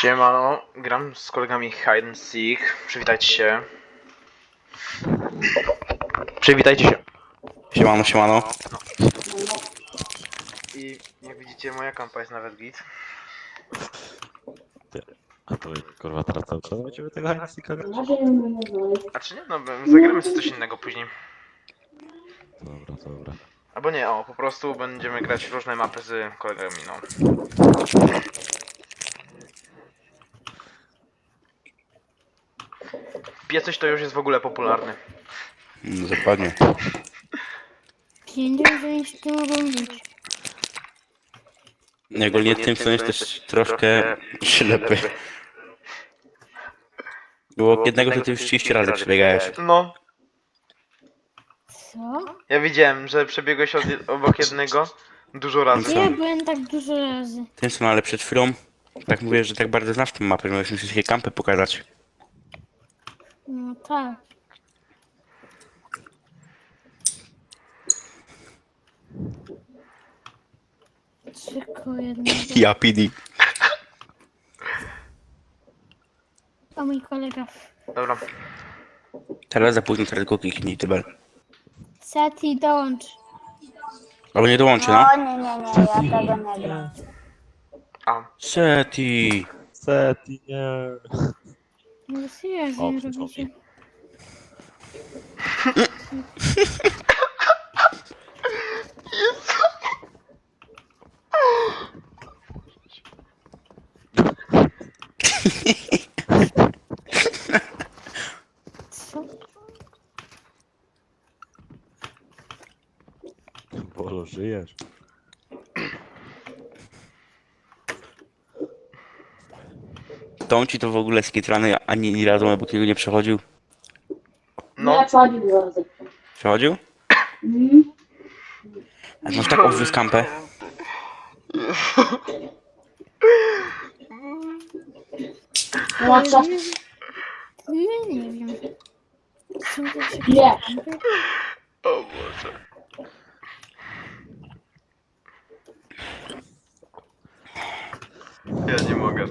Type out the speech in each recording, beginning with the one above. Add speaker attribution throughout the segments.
Speaker 1: Siemano, gram z kolegami Hide and Seek. Przywitajcie się. Przywitajcie się.
Speaker 2: Siemano, siemano.
Speaker 1: I jak widzicie, moja kampa jest nawet git.
Speaker 3: A to kurwa teraz cały czas będziemy tego Heinzika grać?
Speaker 1: A czy nie? No, zagramy sobie coś innego później.
Speaker 3: Dobra, dobra.
Speaker 1: Albo nie, po prostu będziemy grać różne mapy z kolegami, no. Piecyś to już jest w ogóle popularny.
Speaker 2: Dokładnie.
Speaker 4: Pieniądze to mogą być.
Speaker 2: Ogólnie tym co jest też troszkę ślepy. Było jednego, że ty już 30 razy przebiegałeś.
Speaker 1: No,
Speaker 4: Co?
Speaker 1: ja widziałem, że przebiegłeś obok jednego dużo razy.
Speaker 4: Ja byłem tak dużo razy.
Speaker 2: Tym co, no ale przed chwilą tak mówię, że tak bardzo znasz tę mapę, że możesz mi wszystkie kampy pokazać.
Speaker 4: No tak. Tylko jednego.
Speaker 2: Ja PD.
Speaker 4: A mój kolega.
Speaker 1: Dobra.
Speaker 2: Teraz za późno, teraz go kliknij, tybel.
Speaker 4: Seti, dołącz.
Speaker 2: Albo nie dołączy, no.
Speaker 5: O nie, ja tego nie gram.
Speaker 1: A,
Speaker 2: Seti.
Speaker 3: Seti, nie.
Speaker 4: No seriously,
Speaker 3: O,
Speaker 4: nie
Speaker 3: przyszło
Speaker 4: robicie.
Speaker 3: mi.
Speaker 4: Co?
Speaker 3: Bolo, żyjesz?
Speaker 2: Tą ci to w ogóle skitrany ani razu obok niego nie przechodził.
Speaker 1: no.
Speaker 2: Przechodził? A masz tak obwiózł kampę.
Speaker 4: No nie wiem. Są to się
Speaker 5: Nie.
Speaker 1: O Boże. Ja nie mogę.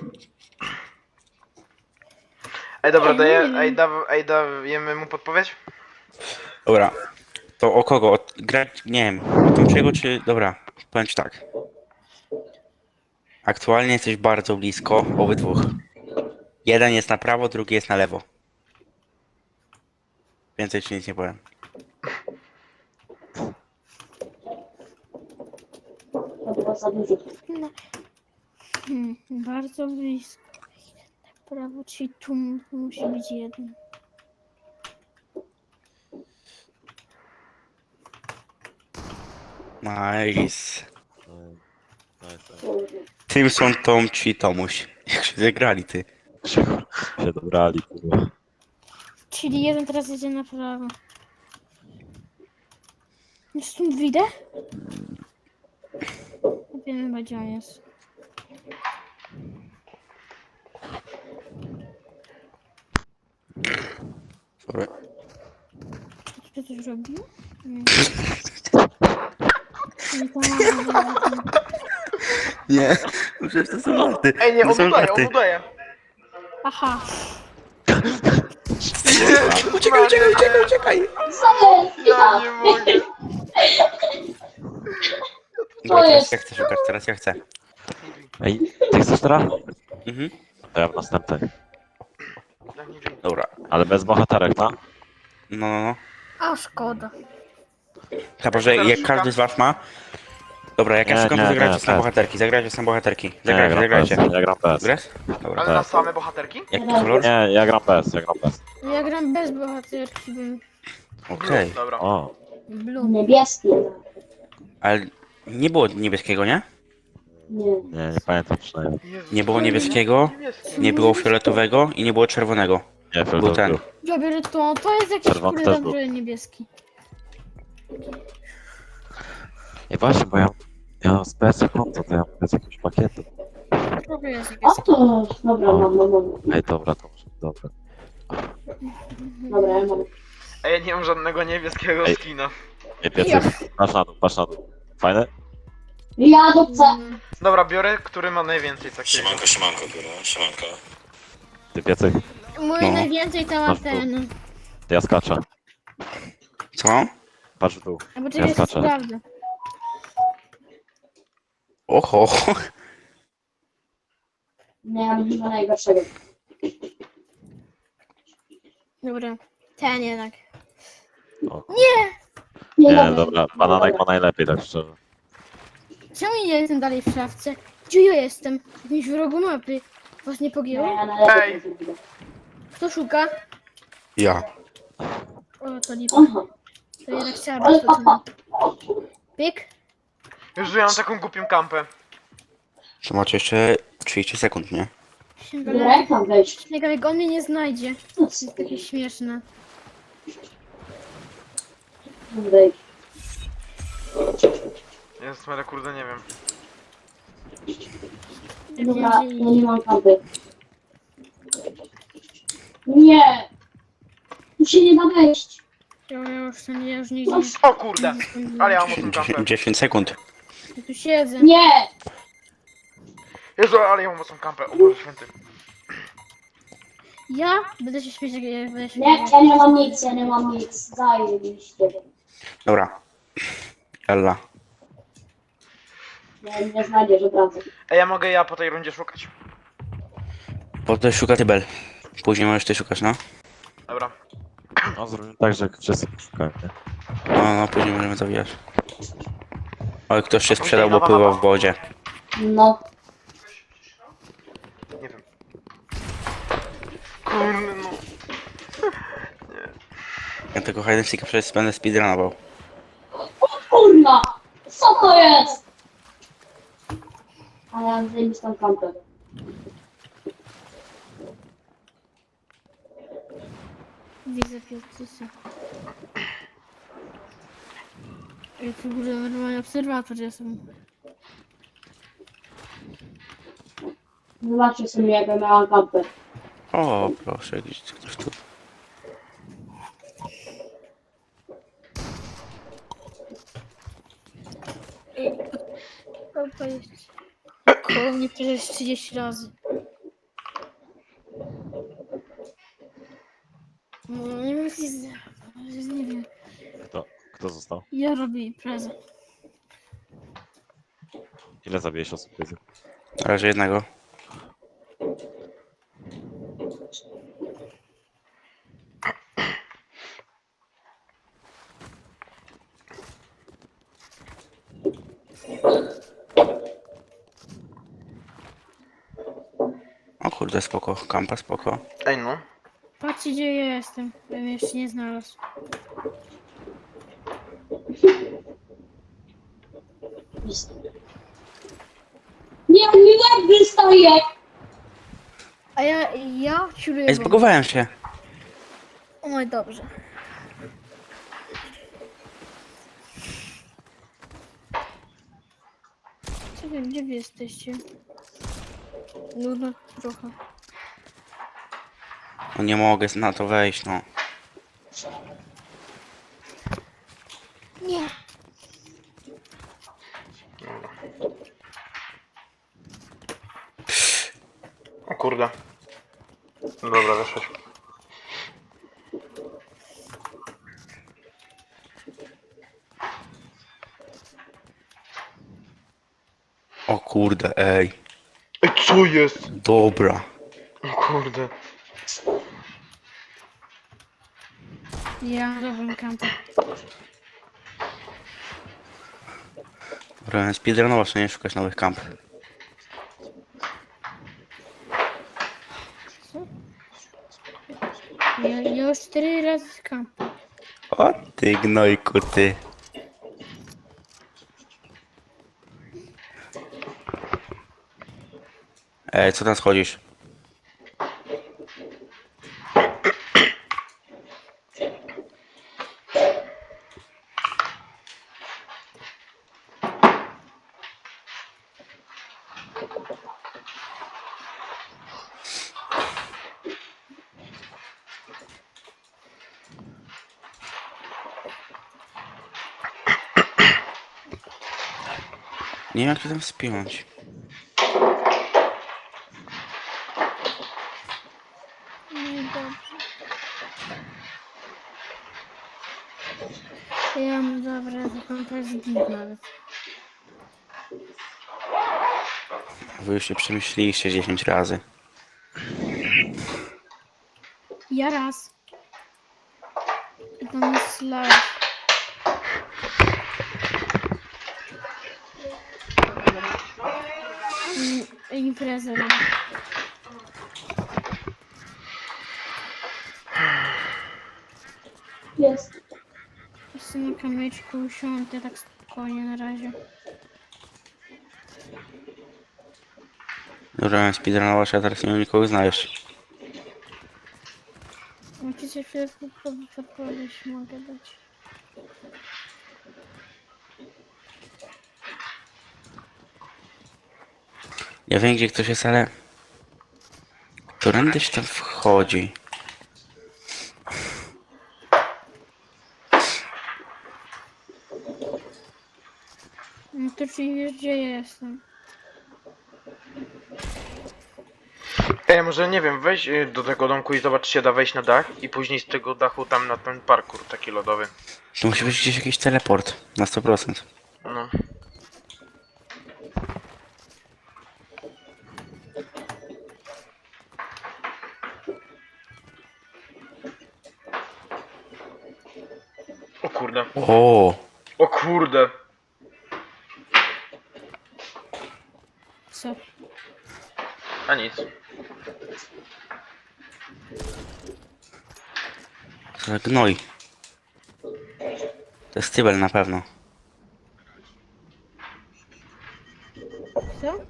Speaker 1: Ej, dobra, dajemy mu podpowiedź?
Speaker 2: Dobra. To o kogo? Grać, nie wiem, o Tomczyego czy... Dobra, powiem ci tak. Aktualnie jesteś bardzo blisko obydwóch. Jeden jest na prawo, drugi jest na lewo. Więcej ci nic nie powiem.
Speaker 4: bardzo blisko. Prawo, czyli tu musi być jeden.
Speaker 2: Nice.
Speaker 3: Nice.
Speaker 2: Timson, Tom ci Tomuś. Jak się zagrali ty.
Speaker 3: Się dobrali, kurwa.
Speaker 4: Czyli jeden teraz jedzie na prawo. No stąd widzę? Nie wiem chyba gdzie on jest.
Speaker 2: Sorry.
Speaker 4: Czy to coś robił? Nie. Nie pomaga.
Speaker 2: Nie, przecież to są żarty.
Speaker 1: Ej, nie,
Speaker 2: To
Speaker 1: on
Speaker 2: są
Speaker 1: udaje,
Speaker 2: żarty.
Speaker 1: on udaje.
Speaker 4: Aha.
Speaker 2: Uciekaj, uciekaj, uciekaj, uciekaj.
Speaker 1: Ja nie mogę.
Speaker 2: Dobra, teraz ja chcę szukać, teraz ja chcę.
Speaker 3: Ej, ty chcesz teraz?
Speaker 2: Mhm.
Speaker 3: To ja w następnej.
Speaker 2: Dobra.
Speaker 3: Ale bez bohaterek, no?
Speaker 2: No.
Speaker 4: A szkoda.
Speaker 2: Chyba, że jak każdy z was ma... Dobra, jak ja
Speaker 3: Nie,
Speaker 2: szukam, to
Speaker 3: nie,
Speaker 2: zagrajcie
Speaker 3: nie,
Speaker 2: sam
Speaker 3: tak.
Speaker 2: bohaterki, zagrajcie sam bohaterki.
Speaker 3: Nie, ja
Speaker 2: Zagrajcie,
Speaker 3: gram
Speaker 2: zagrajcie.
Speaker 3: bez. Ja gram bez.
Speaker 2: Grasz? Dobra.
Speaker 1: Ale na same bohaterki?
Speaker 2: Jaki kolor?
Speaker 3: Nie, ja gram bez, ja gram bez.
Speaker 4: Ja gram bez bohaterki, bym
Speaker 2: Okej.
Speaker 1: Dobra.
Speaker 3: O,
Speaker 4: blue.
Speaker 5: Niebieski.
Speaker 2: Ale nie było niebieskiego, nie?
Speaker 5: Nie.
Speaker 3: nie pamiętam przynajmniej.
Speaker 1: Jezus,
Speaker 2: Nie było niebieskiego, nie było fioletowego i nie było czerwonego.
Speaker 3: Nie,
Speaker 2: Był
Speaker 3: to
Speaker 2: ten.
Speaker 4: Ja biorę to jest jakiś
Speaker 3: Czerwony
Speaker 4: kurde
Speaker 3: też był.
Speaker 4: dobry niebieski.
Speaker 3: Ej, właśnie, bo ja mam spec konto, to ja mam bez jakiegoś pakietu.
Speaker 4: Dobry jest
Speaker 5: O
Speaker 4: niebieski.
Speaker 5: to, dobra, mam.
Speaker 3: Ej, dobra, to może, dobra.
Speaker 5: Dobra, ja mam.
Speaker 1: A ja nie mam żadnego niebieskiego
Speaker 3: Ej.
Speaker 1: skina.
Speaker 3: Ej, Pietrek, patrz na dół, patrz na dół. Fajne?
Speaker 5: Ja do C.
Speaker 1: Dobra, biorę, który ma najwięcej takiego.
Speaker 6: Siemanko, siemanko, kurwa, siemanko.
Speaker 3: Ty piecyk,
Speaker 4: Mój
Speaker 2: No.
Speaker 4: najwięcej to ma
Speaker 3: Masz tu.
Speaker 4: ten.
Speaker 3: ja skaczę.
Speaker 2: Co?
Speaker 3: Patrz w dół.
Speaker 4: A poczekaj,
Speaker 3: Ja skaczę.
Speaker 4: sprawdzę.
Speaker 2: Oho.
Speaker 5: Nie, ja mam chyba najgorszego.
Speaker 4: Dobra. Ten jednak.
Speaker 3: Nie, dobra, bananek ma najlepiej, tak szczerze.
Speaker 4: Czemu nie jestem dalej w szafce? Gdzie ja jestem? W jakimś rogu mapy. Was nie
Speaker 5: Nie,
Speaker 4: pogięło?
Speaker 5: ja najlepiej
Speaker 1: Ej.
Speaker 5: to zrobię.
Speaker 4: Kto szuka?
Speaker 2: Ja.
Speaker 4: O, to lipa.
Speaker 5: Aha,
Speaker 4: To jednak chciała
Speaker 5: ale
Speaker 4: być to
Speaker 5: papa.
Speaker 4: Pyk.
Speaker 1: Już ja mam taką głupią kampę.
Speaker 2: To macie jeszcze 30 sekund, nie?
Speaker 5: Dobra, jak mam wejść?
Speaker 4: Śniegalek, on mnie nie znajdzie. To jest takie śmieszne.
Speaker 5: Mam wejść.
Speaker 1: Jest, ale kurde, nie wiem.
Speaker 5: Dobra, ja nie mam kampy. Nie! Tu się nie da wejść.
Speaker 4: Ja już nigdzie
Speaker 1: O kurde, ale ja mam mocną kampę.
Speaker 2: 10 sekund.
Speaker 4: nie tu siedzę.
Speaker 5: Nie!
Speaker 1: Jezu, ale ja mam mocną kampę, o Boże Święty.
Speaker 4: Ja będę się śmiać, jak ja będę się
Speaker 5: Nie, ja nie mam nic, ja nie mam nic. Zajebiście.
Speaker 2: Dobra. Ella.
Speaker 5: Nie znajdziesz od razu.
Speaker 1: Ej, ja mogę ja po tej rundzie szukać.
Speaker 2: Potem szuka ty Bel. Później możesz ty szukać, no.
Speaker 1: Dobra.
Speaker 3: No zrobimy tak, że wszyscy szukają, nie?
Speaker 2: No, później możemy zawijać. Ale ktoś się sprzedał, bo pływał w wodzie.
Speaker 5: No.
Speaker 1: Nie wiem. Kurde, no.
Speaker 2: Ja tego hide and seeka przecież będę speedrunował.
Speaker 5: O kurna! Co to jest? Ale ja mam zajebistą kampę.
Speaker 4: Widzę piecysa. Ja tu w ogóle normalnie obserwator jestem.
Speaker 5: Zobaczcie sobie, jak ja miałam kampę.
Speaker 2: O, proszę, jakiś ktoś tu.
Speaker 4: To jest. Koło mnie przecież 30 razy. No, nie wiem, jak jest. Nie wiem.
Speaker 3: Kto został?
Speaker 4: Ja robię imprezę.
Speaker 3: Ile zabijesz osób, piecyk?
Speaker 2: Na razie jednego. O kurde, spoko. Kampa, spoko.
Speaker 1: Ej, no.
Speaker 4: Patrzcie, gdzie ja jestem. Ja mnie jeszcze nie znalazł.
Speaker 5: Nie, mi łeb wystaje!
Speaker 4: A ja ciuruję.
Speaker 2: Ej, zbugowałem się.
Speaker 4: No i dobrze. Czekaj, gdzie wy jesteście? Nudno trochę.
Speaker 2: No nie mogę na to wejść, no.
Speaker 4: Nie.
Speaker 1: O kurde. Dobra, weszłeś.
Speaker 2: O kurde, ej.
Speaker 1: Ej, co jest?
Speaker 2: Dobra.
Speaker 1: O kurde.
Speaker 4: Ja robię kampę.
Speaker 2: Robię speedrunować, a nie szukać nowych kamp.
Speaker 4: Ja już 4 razy kampę.
Speaker 2: O ty gnojku, ty. Ej, co tam schodzisz? Nie wiem jak to tam spiąć.
Speaker 4: No i dobrze. Ja mam dobra, taką to jest git nawet.
Speaker 2: Wy już się przemyśleliście 10 razy.
Speaker 4: Ja raz. I tam jest live. Imprezę mam.
Speaker 5: Jest.
Speaker 4: Jestem na kamyczku usiądę tak spokojnie na razie.
Speaker 2: Dobra, speedrunować, a teraz nie wiem nikogo znaleźć.
Speaker 4: Możecie się chwilę podpowiedź mogę dać.
Speaker 2: Ja wiem gdzie ktoś jest, ale... Którędy się tam wchodzi?
Speaker 4: No to czyli wiesz gdzie ja jestem.
Speaker 1: Ej, może nie wiem, weź do tego domku i zobacz, czy się da wejść na dach i później z tego dachu tam na ten parkour taki lodowy.
Speaker 2: To musi być gdzieś jakiś teleport. Na 100%.
Speaker 1: No. O kurde.
Speaker 2: O,
Speaker 1: O kurde.
Speaker 4: Co?
Speaker 1: A nic.
Speaker 2: co za gnoj. To jest tybel na pewno.
Speaker 4: Co?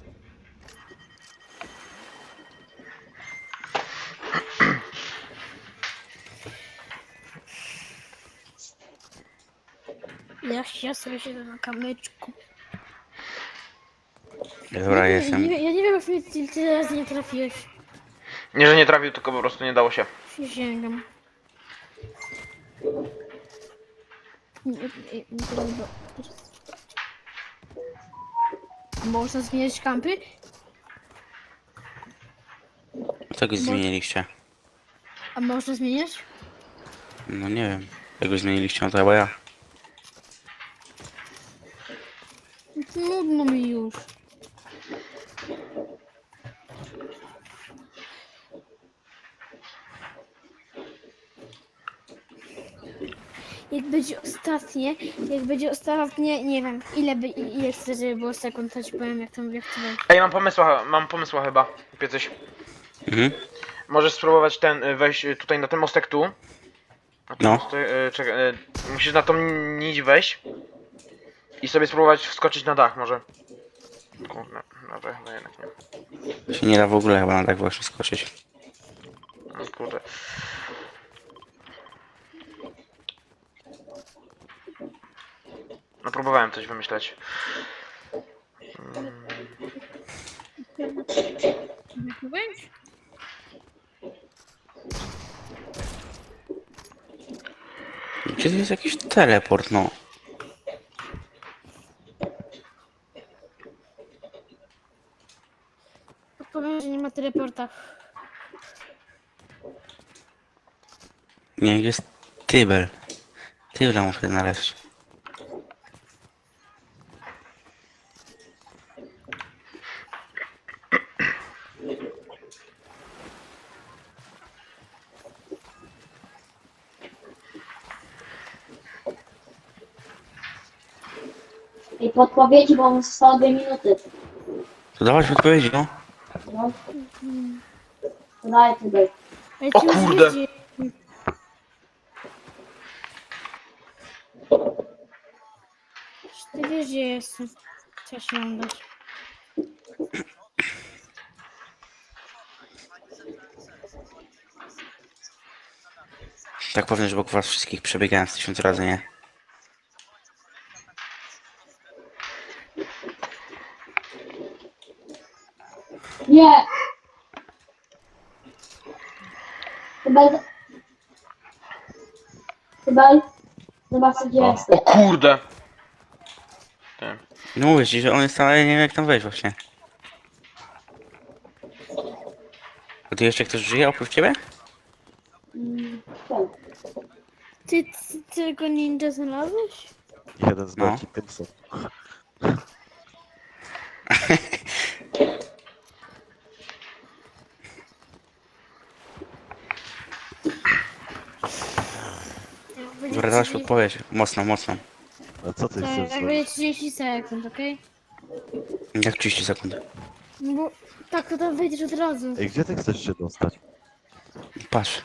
Speaker 4: Ja sobie siedzę na kamyczku.
Speaker 2: Dobra, jestem.
Speaker 4: Ja nie wiem, jak mnie tyle razy nie trafiłeś.
Speaker 1: Nie, że nie trafił, tylko po prostu nie dało się.
Speaker 4: Przysięgam. Nie trudno. Można zmieniać kampy?
Speaker 2: Co go zmieniliście?
Speaker 4: A można zmieniać?
Speaker 2: No nie wiem. Jak go zmieniliście, no to chyba ja.
Speaker 4: Nudno mi już. Jak będzie ostatnie, nie wiem, ile chcę, żeby było sekund, to ci powiem, jak chcę wejść.
Speaker 1: Ej, mam pomysła chyba. Kupię coś.
Speaker 2: Mhm.
Speaker 1: Możesz spróbować wejść tutaj na ten mostek tu. Na ten
Speaker 2: No.
Speaker 1: Mostek, czekaj, musisz na tą nić wejść. I sobie spróbować wskoczyć na dach może. Kurde, dobra, no jednak nie.
Speaker 2: Się nie da w ogóle chyba na tak właśnie skoczyć.
Speaker 1: No kurde. No próbowałem coś wymyśleć.
Speaker 4: Jak wejść?
Speaker 2: Gdzie to jest jakiś teleport, no?
Speaker 4: Powiem, że nie ma teleporta.
Speaker 2: Nie, gdzie jest tybel. Tybla muszę znaleźć.
Speaker 5: I podpowiedzi, bo mu zostało 2 minuty.
Speaker 2: To dawać odpowiedzi, no?
Speaker 5: No. To daj tutaj.
Speaker 4: Ale
Speaker 1: O
Speaker 4: ci już
Speaker 1: kurde.
Speaker 4: wiedzie. Ty wiesz, gdzie jestem. Co ja się mam dać?
Speaker 2: Tak powiem, że wokół was wszystkich przebiegałem z 1000 razy, nie?
Speaker 5: Nie! Chyba... Chyba... Zobacz, gdzie
Speaker 1: O
Speaker 5: jestem.
Speaker 1: kurde. Ty.
Speaker 2: No mówię ci, że on jest tam, ale nie wiem jak tam wejść właśnie. A tu jeszcze ktoś żyje oprócz ciebie?
Speaker 5: Tak.
Speaker 4: Ty tylko ninja znalazłeś?
Speaker 3: Jeden z
Speaker 2: No.
Speaker 3: beki, Tymson.
Speaker 2: Dobra, dasz odpowiedź. Mocno, mocno.
Speaker 3: A co ty
Speaker 4: Tak,
Speaker 3: chcesz
Speaker 4: jak
Speaker 3: zrobić?
Speaker 4: będzie 30 sekund, okej?
Speaker 2: Jak 30 sekund.
Speaker 4: No bo tak to tam wejdziesz od razu.
Speaker 3: Ej, gdzie ty chcesz się dostać?
Speaker 2: Patrz.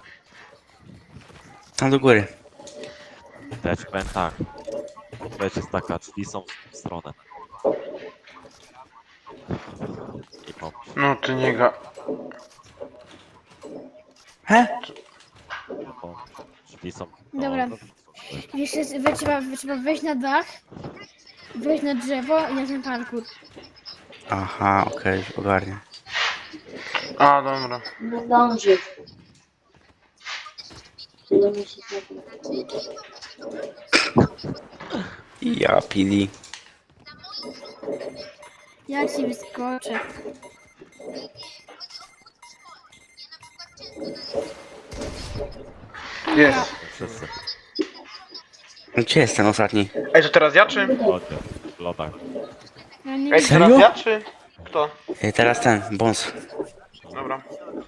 Speaker 2: Tam do góry.
Speaker 3: To ja ci powiem tak. Odpowiedź jest taka, drzwi są w stronę. I pomóż.
Speaker 1: No ty nie ga...
Speaker 2: He?
Speaker 3: No, drzwi są... No,
Speaker 4: Dobra.
Speaker 3: no,
Speaker 4: Jeszcze trzeba wejść na dach, wejść na drzewo i na ten parkour.
Speaker 2: Aha, okej, ogarnię.
Speaker 1: A, dobra.
Speaker 5: Nie zdąży. Tyle musi
Speaker 2: Ja pili.
Speaker 4: Ja ci wyskoczę.
Speaker 1: Jest.
Speaker 3: wszyscy.
Speaker 2: Gdzie jest ten ostatni?
Speaker 1: Ej, to teraz ja czy?
Speaker 3: Chodźcie, w lodach.
Speaker 4: Ja nie
Speaker 1: Ej, to
Speaker 2: Serio?
Speaker 1: teraz ja czy? Kto?
Speaker 2: Teraz ten, Bons.
Speaker 1: Dobra.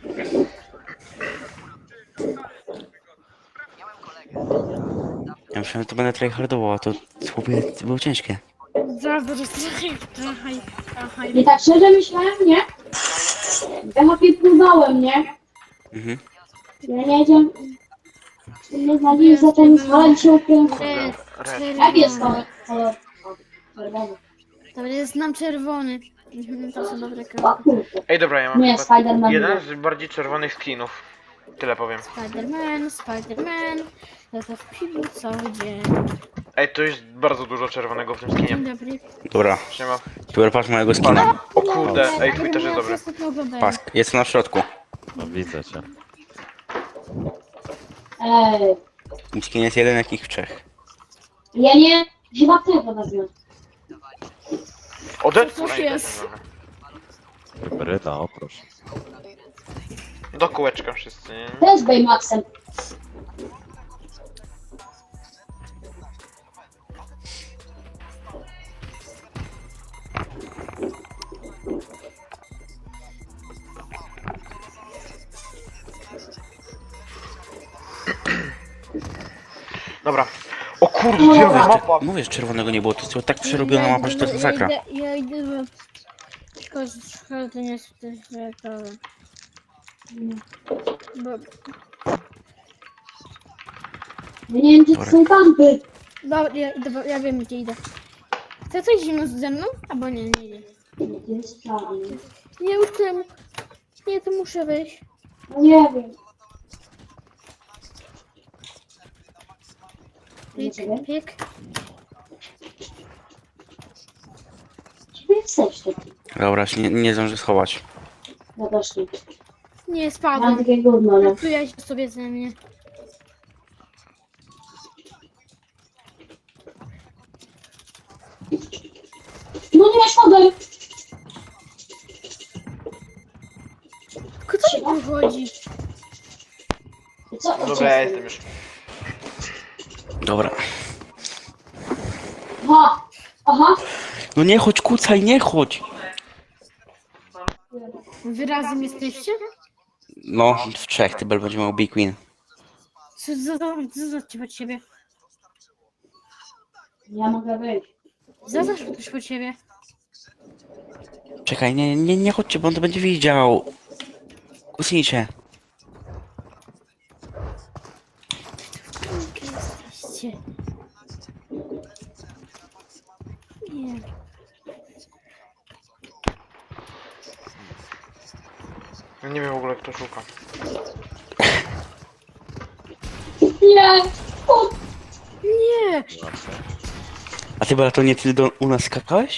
Speaker 2: Ja myślałem, że to będę tryhardował, a to chłopie było ciężkie.
Speaker 4: Zaraz to jest trochę.
Speaker 5: I tak szczerze myślałem, nie? Ja chłopie próbowałem, nie?
Speaker 2: Mhm.
Speaker 5: Ja nie wiedziałem... Nie znali za ten ale się ukryłem. Jak jest to? Czerwony.
Speaker 4: To jest nam czerwony. To są dobre
Speaker 5: O
Speaker 4: kroki.
Speaker 5: kurde.
Speaker 1: Ej, dobra, ja mam
Speaker 5: Nie,
Speaker 1: chyba
Speaker 5: Spider-Man.
Speaker 1: jeden z bardziej czerwonych skinów. Tyle powiem.
Speaker 4: Spider-Man. Ja to w piwu cały dzień.
Speaker 1: Ej, to jest bardzo dużo czerwonego w tym skinie.
Speaker 4: Dzień dobry.
Speaker 2: Dobra,
Speaker 1: Siema.
Speaker 2: teraz patrz mojego skina.
Speaker 1: O kurde, ej, twój też jest dobry.
Speaker 2: Patrz, jest na środku.
Speaker 3: No widzę cię.
Speaker 5: Ej,
Speaker 2: Mój skin jest jeden jakich w trzech.
Speaker 5: ja nie... Chyba tego wezmę.
Speaker 1: O, Deadpool,
Speaker 4: Cóż
Speaker 1: ej,
Speaker 4: jest?
Speaker 1: dobra.
Speaker 3: Hybryda, o proszę.
Speaker 1: Do kółeczka wszyscy, nie?
Speaker 5: Też Baymaxem.
Speaker 1: Dobra. O kurde, zielona mapa.
Speaker 2: Mówię, że czerwonego nie było, to jest tak przerobiona mapa, że to jest masakra.
Speaker 4: Ja idę do... Szkoda, to nie jest też to... Bo...
Speaker 5: Ja nie wiem, gdzie to są kampy.
Speaker 4: Dobra, ja wiem gdzie idę. Chce coś zimno ze mną? Albo nie, nie idę.
Speaker 5: Gdzie jest czarny?
Speaker 4: Nie, już temu. Nie, to muszę wejść.
Speaker 5: No nie wiem.
Speaker 4: Pik, pik.
Speaker 5: Gdzie wy jesteście?
Speaker 2: Dobra, się nie zdążę schować.
Speaker 5: No właśnie.
Speaker 4: Nie,
Speaker 5: Mam
Speaker 4: spadłem.
Speaker 5: takie gówno, nie?
Speaker 4: Napluję się sobie ze mnie.
Speaker 5: No nie spadaj!
Speaker 4: Kto mi tu chodzi?
Speaker 5: Co?
Speaker 1: Dobra, ja jestem już.
Speaker 2: Dobra.
Speaker 5: Aha! Aha!
Speaker 2: No nie chodź, kucaj, nie chodź!
Speaker 4: Wy razem jesteście?
Speaker 2: No, w trzech, ty będzie miał Big Win.
Speaker 4: Co za pod siebie?
Speaker 5: Ja mogę wyjść.
Speaker 4: Zaznacz coś pod siebie.
Speaker 2: Czekaj, nie chodźcie, bo on to będzie widział. Kusnijcie.
Speaker 4: Jesteście. Nie.
Speaker 1: Nie wiem w ogóle kto szuka.
Speaker 5: Nie! O,
Speaker 4: Nie!
Speaker 2: A ty, Bela, to nie ty u nas skakałeś?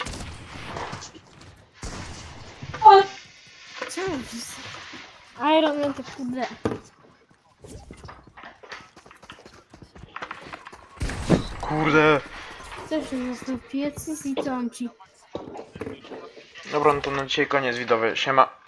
Speaker 5: o,
Speaker 4: Co? Iron Man to kurde.
Speaker 1: Kurde.
Speaker 4: też został piecy i tomci.
Speaker 1: Dobra, no to na dzisiaj koniec widowy. Siema.